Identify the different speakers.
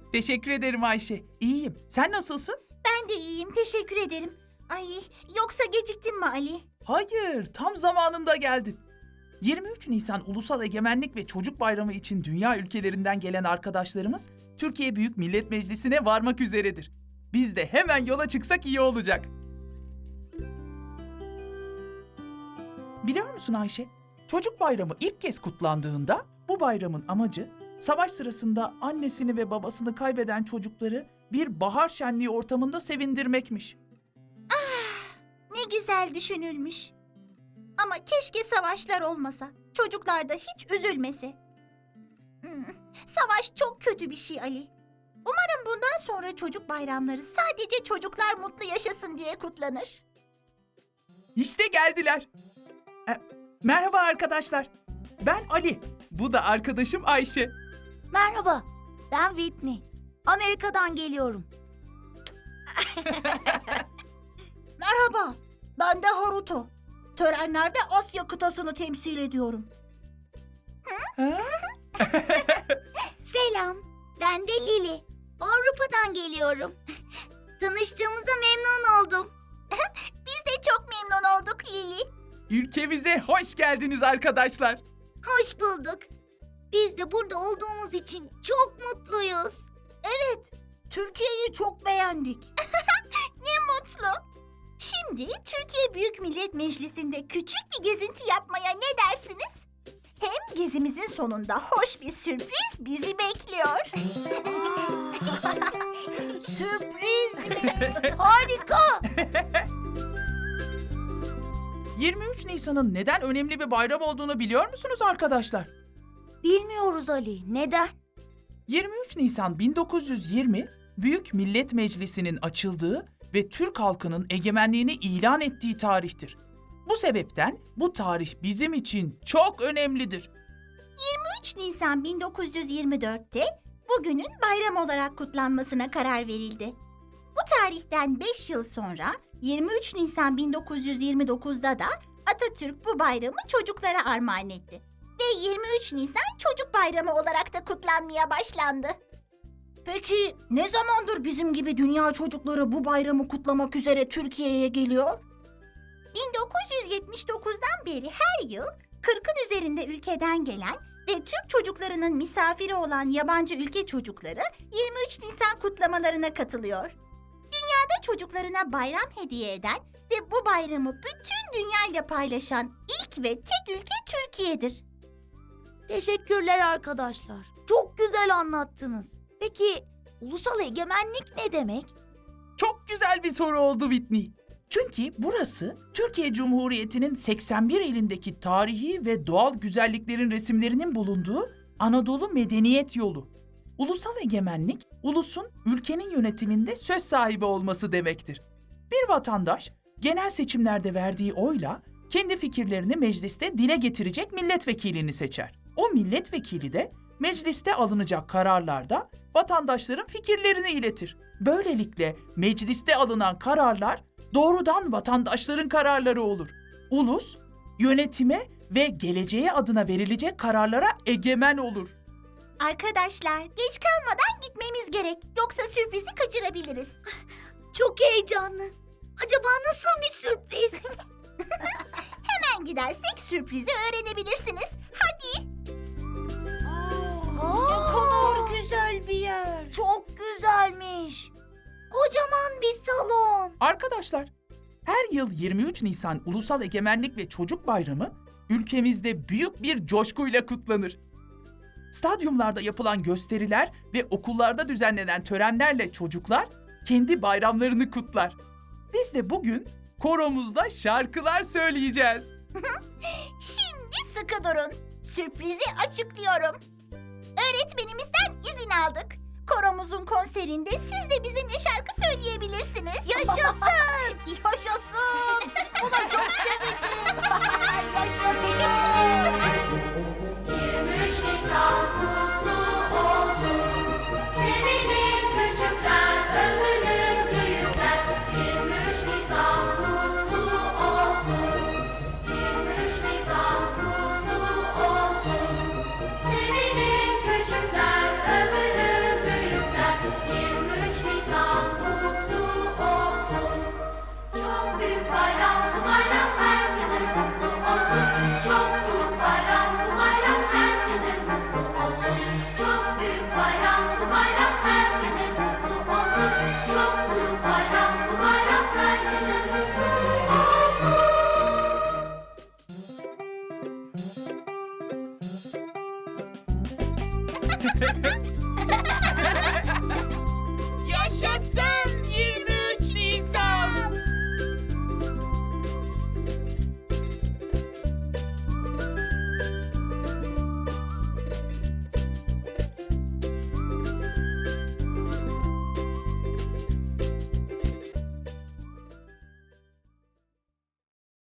Speaker 1: Teşekkür ederim Ayşe. İyiyim. Sen nasılsın?
Speaker 2: Ben de iyiyim, teşekkür ederim. Ay, yoksa geciktin mi Ali?
Speaker 1: Hayır, tam zamanında geldin. 23 Nisan Ulusal Egemenlik ve Çocuk Bayramı için dünya ülkelerinden gelen arkadaşlarımız Türkiye Büyük Millet Meclisi'ne varmak üzeredir. Biz de hemen yola çıksak iyi olacak. Biliyor musun Ayşe? Çocuk Bayramı ilk kez kutlandığında bu bayramın amacı savaş sırasında annesini ve babasını kaybeden çocukları bir bahar şenliği ortamında sevindirmekmiş.
Speaker 2: Ne güzel düşünülmüş. Ama keşke savaşlar olmasa, çocuklar da hiç üzülmese. Savaş çok kötü bir şey Ali. Umarım bundan sonra çocuk bayramları sadece çocuklar mutlu yaşasın diye kutlanır.
Speaker 1: İşte geldiler. Merhaba arkadaşlar. Ben Ali. Bu da arkadaşım Ayşe.
Speaker 3: Merhaba, ben Whitney. Amerika'dan geliyorum.
Speaker 2: Merhaba, ben de Haruto. Törenlerde Asya kıtasını temsil ediyorum.
Speaker 3: Selam, ben de Lili. Avrupa'dan geliyorum. Tanıştığımıza memnun oldum.
Speaker 2: Biz de çok memnun olduk Lili.
Speaker 1: Ülkemize hoş geldiniz arkadaşlar.
Speaker 3: Hoş bulduk. Biz de burada olduğumuz için çok mutluyuz.
Speaker 2: Evet, Türkiye'yi çok beğendik. Ne mutlu. Şimdi Türkiye Büyük Millet Meclisi'nde küçük bir gezinti yapmaya ne dersiniz? Hem gezimizin sonunda hoş bir sürpriz bizi bekliyor. Sürpriz mi?
Speaker 3: Harika.
Speaker 1: 23 Nisan'ın neden önemli bir bayram olduğunu biliyor musunuz arkadaşlar?
Speaker 3: Bilmiyoruz Ali, neden?
Speaker 1: 23 Nisan 1920 Büyük Millet Meclisi'nin açıldığı ve Türk halkının egemenliğini ilan ettiği tarihtir. Bu sebepten bu tarih bizim için çok önemlidir.
Speaker 2: 3 Nisan 1924'te bugünün bayram olarak kutlanmasına karar verildi. Bu tarihten 5 yıl sonra 23 Nisan 1929'da da Atatürk bu bayramı çocuklara armağan etti. Ve 23 Nisan Çocuk Bayramı olarak da kutlanmaya başlandı. Peki ne zamandır bizim gibi dünya çocukları bu bayramı kutlamak üzere Türkiye'ye geliyor? 1979'dan beri her yıl 40'ın üzerinde ülkeden gelen ve Türk çocuklarının misafiri olan yabancı ülke çocukları 23 Nisan kutlamalarına katılıyor. Dünyada çocuklarına bayram hediye eden ve bu bayramı bütün dünyayla paylaşan ilk ve tek ülke Türkiye'dir.
Speaker 3: Teşekkürler arkadaşlar. Çok güzel anlattınız. Peki ulusal egemenlik ne demek?
Speaker 1: Çok güzel bir soru oldu Whitney. Çünkü burası Türkiye Cumhuriyeti'nin 81 ilindeki tarihi ve doğal güzelliklerin resimlerinin bulunduğu Anadolu Medeniyet Yolu. Ulusal egemenlik, ulusun ülkenin yönetiminde söz sahibi olması demektir. Bir vatandaş genel seçimlerde verdiği oyla kendi fikirlerini mecliste dile getirecek milletvekilini seçer. O milletvekili de mecliste alınacak kararlarda vatandaşların fikirlerini iletir. Böylelikle mecliste alınan kararlar doğrudan vatandaşların kararları olur. Ulus, yönetime ve geleceğe adına verilecek kararlara egemen olur.
Speaker 2: Arkadaşlar geç kalmadan gitmemiz gerek. Yoksa sürprizi kaçırabiliriz.
Speaker 3: Çok heyecanlı. Acaba nasıl bir sürpriz?
Speaker 2: Hemen gidersek sürprizi öğrenebilirsiniz. Hadi.
Speaker 3: Ne kadar güzel bir yer. Çok güzelmiş. Kocaman bir salon.
Speaker 1: Arkadaşlar, her yıl 23 Nisan Ulusal Egemenlik ve Çocuk Bayramı ülkemizde büyük bir coşkuyla kutlanır. Stadyumlarda yapılan gösteriler ve okullarda düzenlenen törenlerle çocuklar kendi bayramlarını kutlar. Biz de bugün koromuzda şarkılar söyleyeceğiz.
Speaker 2: Şimdi sıkı durun. Sürprizi açıklıyorum. Öğretmenimizden izin aldık. Koromuzun konserinde siz de bizimle şarkı söyleyebilirsiniz.
Speaker 3: Yaşasın!
Speaker 2: Yaşasın! Buna çok sevindim. Yaşasın!
Speaker 4: 23 Nisan kutlu olsun. Sevinin küçükler, övünün büyükler. 23 Nisan kutlu olsun. 23 Nisan kutlu olsun. Sevinin küçükler, övünün büyükler.